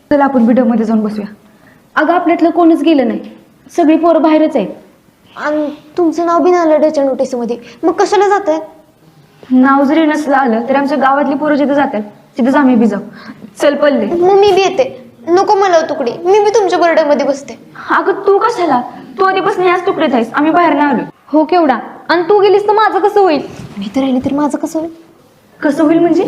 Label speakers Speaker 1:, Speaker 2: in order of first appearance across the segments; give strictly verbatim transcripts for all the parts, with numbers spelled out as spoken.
Speaker 1: चला आपण व्हिडिओ मध्ये जाऊन बसूया.
Speaker 2: अगं आपल्यातलं कोणच गेलं नाही, सगळी पोरं बाहेरच आहेत.
Speaker 3: आणि तुमचं नाव बी नाही आलं त्याच्या नोटीसमध्ये, मग कशाला जात आहे?
Speaker 1: नाव जरी नसलं आलं तरी आमच्या गावातली पोरं जिथे जातात तिथेच आम्ही बी जाऊ. चल पल्ले.
Speaker 3: मग मी बी येते. नको मला तुकडी, मी बी तुमच्या बर्डे बसते.
Speaker 1: अगं तू कशाला? तू आधीपासून याच तुकडीत आहेस, आम्ही बाहेर नाही आलो.
Speaker 2: हो केवढा, आणि तू गेलीस तर माझं कसं होईल?
Speaker 3: मी तर राहिली तर माझं कसं होईल?
Speaker 1: कसं होईल म्हणजे?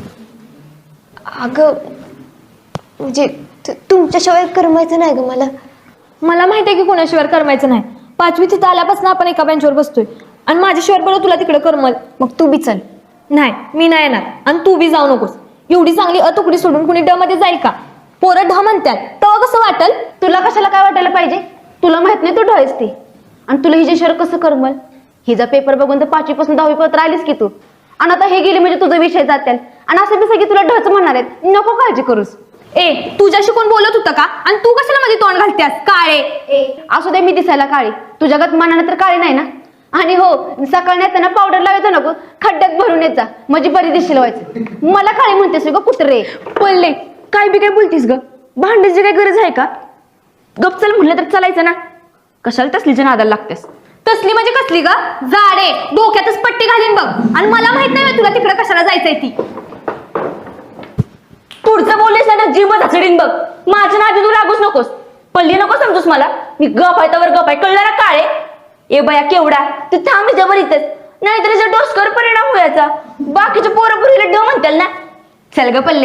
Speaker 3: अगं म्हणजे तु- तुमच्याशिवाय करमायचं नाही ग मला.
Speaker 2: मला माहिती आहे की कोणाशिवाय करमायचं नाही. पाचवी तिथं आल्यापासून आपण एका बेंचवर बसतोय आणि माझ्याशिवाय बरं तुला तिकडे करमल.
Speaker 3: मग तू बी चल.
Speaker 2: नाही मी नाही येणार, आणि तू बी जाऊ नकोस. एवढी चांगली अतुकडी सोडून कुणी ड मध्ये जाईल का? पोरं ढ म्हणतात तेव्हा कसं वाटल?
Speaker 4: तुला कशाला काय वाटायला पाहिजे? तुला माहित नाही तू ढळेस ती, आणि तुला हिच्याशिवाय कसं करमल? हिचा पेपर बघून तर पाचवी पासून दहावी पर्यंत राहिलीस की तू, आणि आता हे गेली म्हणजे तुझा विषय जातील, आणि असं बी सगळी तुला ढच म्हणणार आहेत. नको काळजी करूस.
Speaker 2: ए तुझ्याशी कोण बोलत होतं का? आणि तू कशाला मध्ये तोंड घालतेस? काळे
Speaker 4: असू दे मी दिसायला काळी, तुझ्या गत मनाने तर काळी नाही ना. आणि हो, सकाळी येताना पावडर लावायचं नको, खड्ड्यात भरून येत जा म्हणजे बरी दिसेल व्हायचं. मला काळी म्हणतेस ग कुत्रे.
Speaker 1: पल्ले काय बी काय बोलतीस ग? भांडायची काय गरज आहे का? गप चल म्हटलं तर चालायचं ना, कशाला तसलीच्या नादाला लागतेस?
Speaker 2: तसली म्हणजे कसली ग? जाडे डोक्यातच पट्टी घालीन बघ. आणि मला माहित नाही तुला तिकडे कशाला जायचंय ती.
Speaker 1: पुढचं बोललेस ना जीवच हसडीन बघ. माझ्या नादी तू लागूच नकोस. पल्ली नको समजूस मला. मी गप आहे त्यावर गप आहे, कळलं ना काळे? ए बया केवढा तू थांब जबर इथेच, नाहीतर डोसकर परिणाम होयाचा. बाकीच्या पोरं पुरीला ड म्हणतील ना. चल ग पल्ले.